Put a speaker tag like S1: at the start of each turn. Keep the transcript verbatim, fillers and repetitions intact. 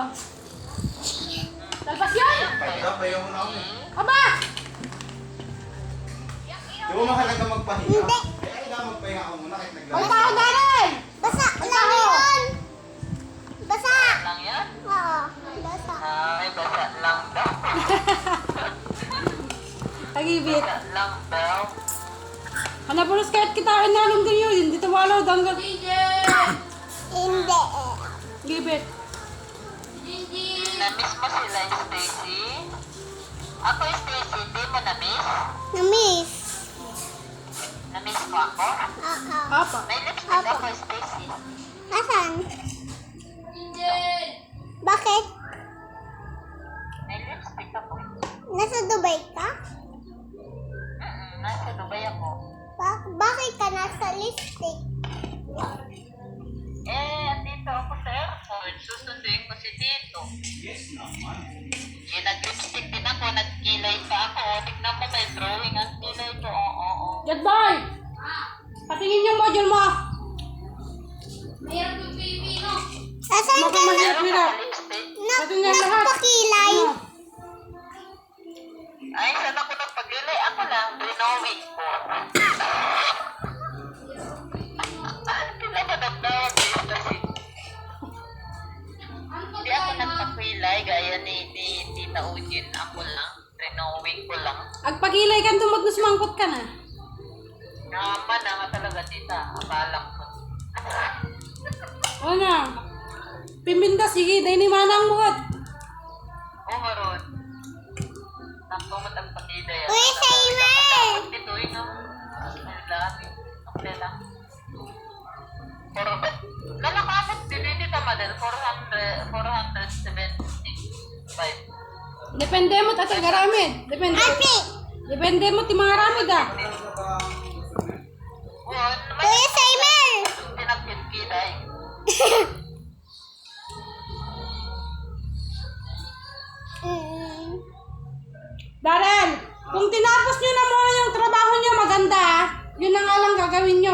S1: Talpas yan!
S2: Pahinga, pahinga muna ako eh.
S1: Aba!
S2: Di mo mahalaga magpahinga? Hindi. Kaya kailangan magpahinga ako muna kahit
S1: Ang
S2: naglalaro.
S1: tao Darren!
S3: Basa lang yun. Basa.
S4: Lang yan?
S3: Oo, basa.
S4: Ay, basa lang daw.
S1: Tagibit.
S4: Basa lang daw.
S1: Hanap ulos kahit kita inalong din yun. Hindi tumalaw danggal.
S3: Hindi.
S1: Gibit.
S4: Na-miss mo sila, Stacy? Ako, Stacy, hindi mo na-miss?
S3: Na-miss.
S4: Na-miss mo ako?
S3: Oo.
S1: Apa.
S4: May lipstick ako, Stacy.
S3: Asan? Bakit?
S4: May lipstick ako.
S3: Nasa Dubai ka?
S4: Mm-mm, nasa Dubai ako.
S3: Ba- bakit ka nasa lipstick?
S4: Eh, andito ako sa airport. Susunduin ko si Tito.
S2: Yes naman.
S4: Eh, nag-lipstick din ako. Nagkilay pa ako. Tignan mo, may drawing ang kilay ko. Oo, oo, oo.
S1: Jet boy! Patingin yung module mo.
S3: Asan ka
S1: Maka-
S3: na?
S1: Hirap, hirap.
S4: Lipstick?
S3: na
S1: Patingin lahat.
S3: nagpakilay?
S1: Ano?
S4: Ay, saan ako nagpagilay? Ako lang, drawing ko. Sila ba nagdawag kasi? Hindi ako nagpakilay gaya ni, ni Tita Ujin. Ako lang, drawing ko lang.
S1: Agpagilay ka tumagnos mangkot ka na.
S4: Naman na nga talaga, Tita. Akalang ko.
S1: O na. Pimbinda, sige. Dahil ni manang buhat.
S4: Oh, maroon. Nakto mo tagpakilay.
S3: Uy, Simon!
S4: Dito, yun ang dami. Okay lang. Pero, lalakamat din hindi tama din. four hundred, four seventy-five.
S1: Depende mo tatay garamid. Depende.
S3: Ate!
S1: Depende mo ti mga ramid ah.
S4: Oh, may
S3: Kuya Simon!
S4: pinagkilay.
S3: Mm.
S1: Darren, kung tinapos nyo na muna yung trabaho nyo maganda, yun na nga lang gagawin nyo.